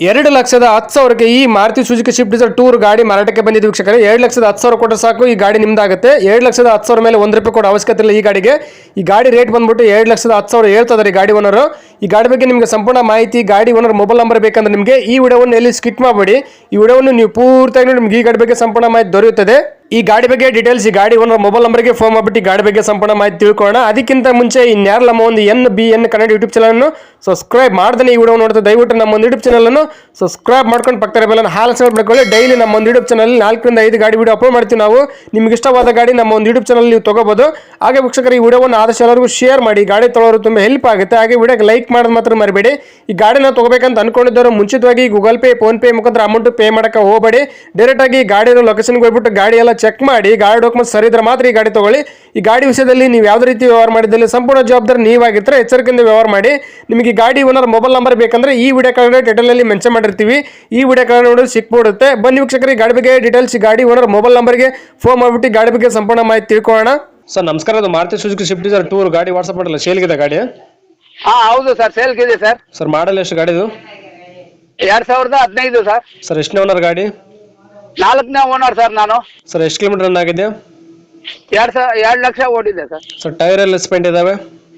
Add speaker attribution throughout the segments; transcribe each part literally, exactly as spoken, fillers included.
Speaker 1: ಎರಡು ಲಕ್ಷದ ಹತ್ತು ಸಾವಿರಕ್ಕೆ ಈ Maruti Suzuki Swift Dzire Tour ಗಾಡಿ ಮಾರಾಟಕ್ಕೆ ಬಂದಿದ್ದು ವೀಕ್ಷಕರೇ. ಎರಡು ಲಕ್ಷದ ಹತ್ತು ಸಾವಿರ ಕೊಟ್ಟರೆ ಸಾಕು, ಈ ಗಾಡಿ ನಿಮ್ದಾಗುತ್ತೆ. ಎರಡು ಲಕ್ಷದ ಹತ್ತು ಸಾವಿರ ಮೇಲೆ ಒಂದು ರೂಪಾಯಿ ಕೊಡೋ ಅವಶ್ಯಕತೆ ಇಲ್ಲ ಈ ಗಾಡಿಗೆ. ಈ ಗಾಡಿ ರೇಟ್ ಬಂದ್ಬಿಟ್ಟು ಎರಡು ಲಕ್ಷದ ಹತ್ತು ಸಾವಿರ ಹೇಳ್ತಾರೆ ಗಾಡಿ ಓನರು. ಈ ಗಾಡಿ ಬಗ್ಗೆ ನಿಮಗೆ ಸಂಪೂರ್ಣ ಮಾಹಿತಿ, ಗಾಡಿ ಓನರ್ ಮೊಬೈಲ್ ನಂಬರ್ ಬೇಕಂದ್ರೆ ನಿಮಗೆ ಈ ವಿಡಿಯೋವನ್ನು ಎಲ್ಲಿ ಸ್ಕಿಪ್ ಮಾಡಬೇಡಿ. ಈ ವಿಡಿಯೋವನ್ನು ನೀವು ಪೂರ್ತಿಯಾಗಿ ನಿಮ್ಗೆ ಈ ಗಾಡಿ ಬಗ್ಗೆ ಸಂಪೂರ್ಣ ಮಾಹಿತಿ ದೊರೆಯುತ್ತದೆ. ಈ ಗಾಡಿ ಬಗ್ಗೆ ಡೀಟೇಲ್ಸ್ ಈ ಗಾಡಿ ಓನರ್ ಮೊಬೈಲ್ ನಂಬರ್ಗೆ ಫೋನ್ ಮಾಡಿಬಿಟ್ಟು ಈ ಗಾಡಿ ಬಗ್ಗೆ ಸಂಪೂರ್ಣ ಮಾಹಿತಿ ತಿಳ್ಕೊಳ್ಳೋಣ. ಅದಕ್ಕಿಂತ ಮುಂಚೆ ಇನ್ಯಾರು ನಮ್ಮ ಒಂದು N B N Kannada YouTube channel subscribe ಮಾಡ್ದೇ ಈ ವಿಡಿಯೋ ನೋಡ್ತಾ ದಯವಿಟ್ಟು ನಮ್ಮ ಒಂದು ಯೂಟ್ಯೂಬ್ ಚಾನಲ್ ಅನ್ನು ಸಬ್ಸ್ಕ್ರೈಬ್ ಮಾಡ್ಕೊಂಡು ಪಕ್ಕದ ಬೆಲ್ಲ ಹಾಲ್ ಸಬ್ಸ್ಕ್ರೈಬ್ ಮಾಡ್ಕೊಳ್ಳಿ. ಡೈಲಿ ನಮ್ಮ ಒಂದು ಯೂಟ್ಯೂಬ್ ಚಾನಲ್ ನಾಲ್ಕರಿಂದ ಐದು ಗಾಡಿ ವಿಡಿಯೋ ಅಪ್ಲೋಡ್ ಮಾಡ್ತೀವಿ ನಾವು. ನಿಮ್ಗೆ ಇಷ್ಟವಾದ ಗಾಡಿ ನಮ್ಮ ಒಂದು ಯೂಟ್ಯೂಬ್ ಚಾನಲ್ ನೀವು ತಗೋಬಹುದು. ಹಾಗೆ ವೀಕ್ಷಕರು ಈ ವಿಡಿಯೋವನ್ನು ಆದಷ್ಟು ಎಲ್ಲರಿಗೂ ಶೇರ್ ಮಾಡಿ, ಗಾಡಿ ತೊಗೊಳೋರು ತುಂಬ ಹೆಲ್ಪ್ ಆಗುತ್ತೆ. ಹಾಗೆ ವಿಡಿಯೋಗೆ ಲೈಕ್ ಮಾಡೋದು ಮಾತ್ರ ಮರಿಬೇಡಿ. ಈ ಗಾಡಿನ ತಗೋಬೇಕಂತ ಅನ್ಕೊಂಡಿದ್ದವರು ಮುಂಚಿತವಾಗಿ ಗೂಗಲ್ ಪೇ, ಫೋನ್ ಪೇ ಮುಖಾಂತರ ಅಮೌಂಟ್ ಪೇ ಮಾಡಕ್ಕೆ ಹೋಗಬೇಡಿ. ಡೈರೆಕ್ಟ್ ಆಗಿ ಗಾಡಿಯ ಲೊಕೇಶನ್ಗೆ ಹೋಗ್ಬಿಟ್ಟು ಗಾಡಿ ಎಲ್ಲ ಚೆಕ್ ಮಾಡಿ, ಗಾಡಿ ಡಾಕ್ಯುಮೆಂಟ್ಸ್ ಸರಿ ಇದ್ರೆ ಮಾತ್ರ ಈ ಗಾಡಿ ತಗೊಳ್ಳಿ. ಈ ಗಾಡಿ ವಿಷಯದಲ್ಲಿ ನೀವು ಯಾವುದೇ ರೀತಿ ವ್ಯವಹಾರ ಮಾಡಿದಲ್ಲಿ ಸಂಪೂರ್ಣ ಜವಾಬ್ದಾರಿ ನೀವಾಗಿರ್ತಾರೆ. ಎಚ್ಚರಿಕೆಯಿಂದ ವ್ಯವಹಾರ ಮಾಡಿ. ನಿಮಗೆ ಈ ಗಾಡಿ ಓನರ್ ಮೊಬೈಲ್ ನಂಬರ್ ಬೇಕಂದ್ರೆ ಈ ವಿಡಿಯೋ ಕೆಳಗಡೆ ಟೈಟಲಲ್ಲಿ ಮೆನ್ಷನ್ ಮಾಡಿರ್ತೀವಿ. ಈ ವಿಡಿಯೋ ಕೆಳಗಡೆ ನೋಡಿ ಸಿಕ್ಬಿಡುತ್ತೆ. ಬನ್ನಿ ವೀಕ್ಷಕರಿಗೆ ಗಾಡಿ ಬಗ್ಗೆ ಡೀಟೇಲ್ಸ್, ಗಾಡಿ ಓನರ್ ಮೊಬೈಲ್ ನಂಬರ್ಗೆ ಫೋನ್ ಮಾಡಿಬಿಟ್ಟು ಗಾಡಿ ಬಗ್ಗೆ ಸಂಪೂರ್ಣ ಮಾಹಿತಿ ತಿಳ್ಕೊಳ್ಳೋಣ. ಸರ್ ನಮಸ್ಕಾರ, ಅದು Maruti Suzuki Swift Dzire Tour ಗಾಡಿ ವಾಟ್ಸಪ್ ಮಾಡಲ್ಲ ಸೇಲ್ಗಿದೆ ಗಾಡಿ?
Speaker 2: ಹಾ ಹೌದು ಸರ್, ಸೇಲ್ಗಿದೆ ಸರ್.
Speaker 1: ಸರ್ ಮಾಡಲ್ ಎಷ್ಟು ಗಾಡಿದು?
Speaker 2: ಎರಡ್ ಸಾವಿರದ ಹದಿನೈದು ಸರ್.
Speaker 1: ಸರ್ ಎಷ್ಟನೇ ಓನರ್ ಗಾಡಿ?
Speaker 2: ನಾಲ್ಕನೇ ಓನರ್ ಸರ್ ನಾನು.
Speaker 1: ಸರ್ ಎಷ್ಟು ಕಿಲೋಮೀಟರ್ ರನ್ ಆಗಿದೆ?
Speaker 2: ಎರಡ್ ಸಾವಿರ ಎರಡ್ ಲಕ್ಷ ಓಡಿದೆ ಸರ್.
Speaker 1: ಸರ್ ಟೈರ್ ಎಲ್ಲ ಸ್ಪೆಂಡ್ ಇದಾವೆ?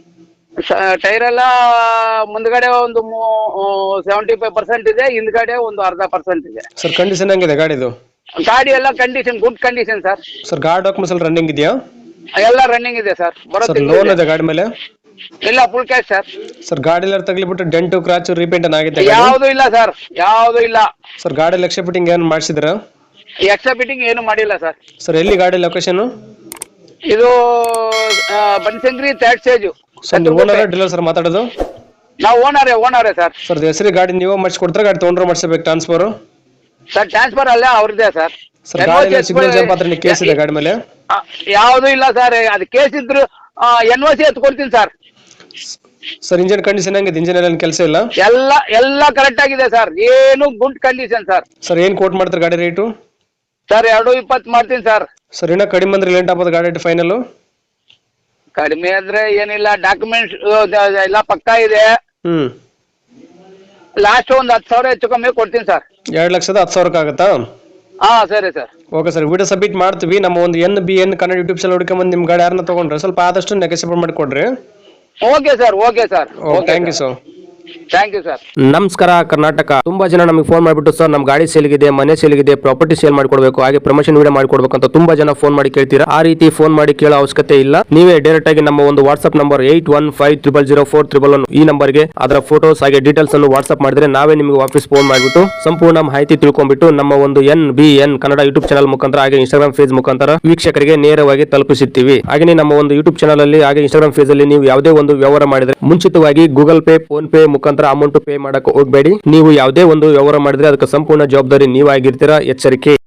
Speaker 2: ಟೈರ್ ಎಲ್ಲ ಮುಂದ್ಗಡೆ ಒಂದು ಸೆವೆಂಟಿ ಫೈವ್ ಪರ್ಸೆಂಟ್ ಇದೆ, ಹಿಂದ್ಗಡೆ ಒಂದು ಅರ್ಧ ಪರ್ಸೆಂಟ್ ಇದೆ.
Speaker 1: ಸರ್ ಕಂಡೀಷನ್ ಹೆಂಗಿದೆ ಗಾಡಿದು?
Speaker 2: ಗಾಡಿ ಎಲ್ಲ condition good condition sir.
Speaker 1: Sir ಗಾಡಿ ಡಾಕ್ಯುಮೆಂಟ್ಸ್ ಎಲ್ಲ ರನ್ನಿಂಗ್ ಇದೆಯಾ?
Speaker 2: ಎಲ್ಲ ರನ್ನಿಂಗ್ ಇದೆ ಸರ್.
Speaker 1: ಸರ್ ಲೋನ್ ಇದೆ ಗಾಡಿ ಮೇಲೆ?
Speaker 2: ಇಲ್ಲ, ಫುಲ್ ಕ್ಯಾಶ್ ಸರ್.
Speaker 1: ಸರ್ ಗಾಡಿ ಎಲ್ಲ ತಗಲಿಬಿಟ್ಟು ಡೆಂಟು ಕ್ರಾಚು ರೀಪೇಂಟ್ ಆಗಿದೆ?
Speaker 2: ಯಾವುದು ಇಲ್ಲ ಸರ್, ಯಾವುದು ಇಲ್ಲ.
Speaker 1: ಸರ್ ಗಾಡಿ ಎಕ್ಸ್ಟ್ರಾ ಫಿಟ್ಟಿಂಗ್ ಏನು ಮಾಡಿಸಿದ್ರ?
Speaker 2: ಎಕ್ಸ್ಟ್ರಾ ಫಿಟ್ಟಿಂಗ್ ಏನು ಮಾಡಿಲ್ಲ ಸರ್.
Speaker 1: ಸರ್ ಎಲ್ಲಿ ಗಾಡಿ ಲೊಕೇಶನ್?
Speaker 2: ಇದು ಬನಶಂಕರಿ ಥರ್ಡ್ ಸ್ಟೇಜ್.
Speaker 1: ಸರ್ ನೀವು ಓನರ್ ಡೀಲರ್ ಸರ್ ಮಾತಾಡೋದು?
Speaker 2: ನಾವು ಓನರೇ ಓನರೇ ಸರ್.
Speaker 1: ಸರ್ ಹೆಸರು ಗಾಡಿ ನೀವು ಮಾಡಿಸ್ಕೊಡ್ತಾರೆ, ಗಾಡಿ ತೊಗೊಂಡ್ರೆ ಮಾಡಿಸ್ಬೇಕು ಟ್ರಾನ್ಸ್ಫರ್?
Speaker 2: ಸರ್ ಟ್ರಾನ್ಸ್ಫರ್ ಅಲ್ಲ ಅವ್ರದ್ದೇ ಸರ್.
Speaker 1: ಸರ್ ಗಾಡಿ ಸಿಗ್ನಲ್ ಜಂಪ್ ಹತ್ರ ಕೇಸ್ ಇದೆ ಗಾಡಿ ಮೇಲೆ?
Speaker 2: ಯಾವುದು ಇಲ್ಲ ಸರ್, ಅದು ಕೇಸ್ ಇದ್ರು ಎನ್ ಓ ಸಿ ಎತ್ಕೊಡ್ತೀನಿ ಸರ್.
Speaker 1: ಸರ್ ಇಂಜಿನ್ ಕಂಡೀಷನ್ ಹೆಂಗಿದೆ? ಇಂಜಿನ್ ಎಲ್ಲ ಕೆಲಸ ಇಲ್ಲ?
Speaker 2: ಎಲ್ಲ ಎಲ್ಲ ಕರೆಕ್ಟ್ ಆಗಿದೆ ಸರ್, ಏನು ಗುಡ್ ಕಂಡೀಷನ್ ಸರ್.
Speaker 1: ಸರ್ ಏನ್ ಕೋಟ್ ಮಾಡ್ತಾರೆ ಗಾಡಿ ರೇಟು?
Speaker 2: ಸರ್ ಎರಡು ಇಪ್ಪತ್ತು ಮಾಡ್ತೀನಿ ಸರ್.
Speaker 1: ಸರ್ ಇನ್ನ ಕಡಿಮೆ ಅಂದ್ರೆ ಲೇಟ್ ಆಗ್ಬೋದು ಗಾಡಿ ಫೈನಲ್?
Speaker 2: ಕಡಿಮೆ ಅಂದ್ರೆ ಏನಿಲ್ಲ, ಡಾಕ್ಯುಮೆಂಟ್ಸ್ ಎಲ್ಲ ಪಕ್ಕಾ ಇದೆ.
Speaker 1: ಹ್ಮ್
Speaker 2: ಲಾಸ್ಟ್ ಒಂದು ಹತ್ತು ಸಾವಿರ ಹೆಚ್ಚು ಕಮ್ಮಿ ಕೊಡ್ತೀನಿ ಸರ್.
Speaker 1: ಎರಡ್ ಲಕ್ಷದ ಹತ್ತು ಸಾವಿರಕ್ಕೆ ಆಗುತ್ತಾ?
Speaker 2: ಹಾ ಸರಿ sir.
Speaker 1: Okay sir, video submit ಮಾಡ್ತೀವಿ. ನಮ್ಮ ಒಂದು N B N Kannada YouTube channel ಹುಡುಕೊಂಬಂದು ನಿಮ್ಮ ಗಾಡಿ ಯಾರನ್ನ ತಗೊಂಡ್ರೆ ಸ್ವಲ್ಪ ಆದಷ್ಟು ನೆಗೆಸಿಬಲ್ ಮಾಡಿ ಕೊಡ್ರಿ.
Speaker 2: Okay sir, okay sir.
Speaker 1: Thank you sir.
Speaker 2: Thank you sir.
Speaker 1: ನಮಸ್ಕಾರ ಕರ್ನಾಟಕ. ತುಂಬಾ ಜನ ನಮಗೆ ಫೋನ್ ಮಾಡಿಬಿಟ್ಟು ಸರ್ ನಮ್ಮ ಗಾಡಿ ಸೇಲ್ಗಿದೆ, ಮನೆ ಸೇಲ್ಗಿದೆ, ಪ್ರಾಪರ್ಟಿ ಸೇಲ್ ಮಾಡಿಕೊಡ್ಬೇಕು, ಹಾಗೆ ಪ್ರಮೋಷನ್ ವಿಡಿಯೋ ಮಾಡಿಕೊಡ್ಬೇಕು ಅಂತ ತುಂಬಾ ಜನ ಫೋನ್ ಮಾಡಿ ಕೇಳ್ತೀರಾ. ಆ ರೀತಿ ಫೋನ್ ಮಾಡಿ ಕೇಳೋ ಅವಶ್ಯಕತೆ ಇಲ್ಲ. ನೀವೇ ಡೈರೆಕ್ಟ್ ಆಗಿ ನಮ್ಮ ಒಂದು WhatsApp number eight one five triple zero four triple one ಈ ನಂಬರ್ಗೆ ಅದರ ಫೋಟೋಸ್ ಹಾಗೆ ಡೀಟೇಲ್ಸ್ ಅನ್ನು ವಾಟ್ಸ್ಆಪ್ ಮಾಡಿದ್ರೆ ನಾವೇ ನಿಮಗೆ ವಾಪಸ್ ಫೋನ್ ಮಾಡಿಬಿಟ್ಟು ಸಂಪೂರ್ಣ ಮಾಹಿತಿ ತಿಳ್ಕೊಂಡ್ಬಿಟ್ಟು ನಮ್ಮ ಒಂದು N B N Kannada YouTube channel ಮುಖಾಂತರ ಹಾಗೆ ಇನ್ಸ್ಟಾಗ್ರಾಮ್ ಪೇಜ್ ಮುಖಾಂತರ ವೀಕ್ಷಕರಿಗೆ ನೇರವಾಗಿ ತಲುಪಿಸುತ್ತೀವಿ. ಹಾಗೆ ನಮ್ಮ ಒಂದು ಯೂಟ್ಯೂಬ್ ಚಾನಲ್ ಅಲ್ಲಿ ಹಾಗೆ ಇನ್ಸ್ಟಾಗ್ರಾಮ್ ಪೇಜ್ ಅಲ್ಲಿ ನೀವು ಯಾವುದೇ ಒಂದು ವ್ಯವಹಾರ ಮಾಡಿದ್ರೆ ಮುಂಚಿತವಾಗಿ ಗೂಗಲ್ ಪೇ, ಫೋನ್ ಪೇ ಮುಖಾಂತರ ಅಮೌಂಟ್ ಪೇ ಮಾಡಕ್ಕೆ ಹೋಗಬೇಡಿ. ನೀವು ಯಾವುದೇ ಒಂದು ವ್ಯವಹಾರ ಮಾಡಿದ್ರೆ ಅದಕ್ಕೆ ಸಂಪೂರ್ಣ ಜವಾಬ್ದಾರಿ ನೀವಾಗಿರ್ತೀರಾ. ಎಚ್ಚರಿಕೆ.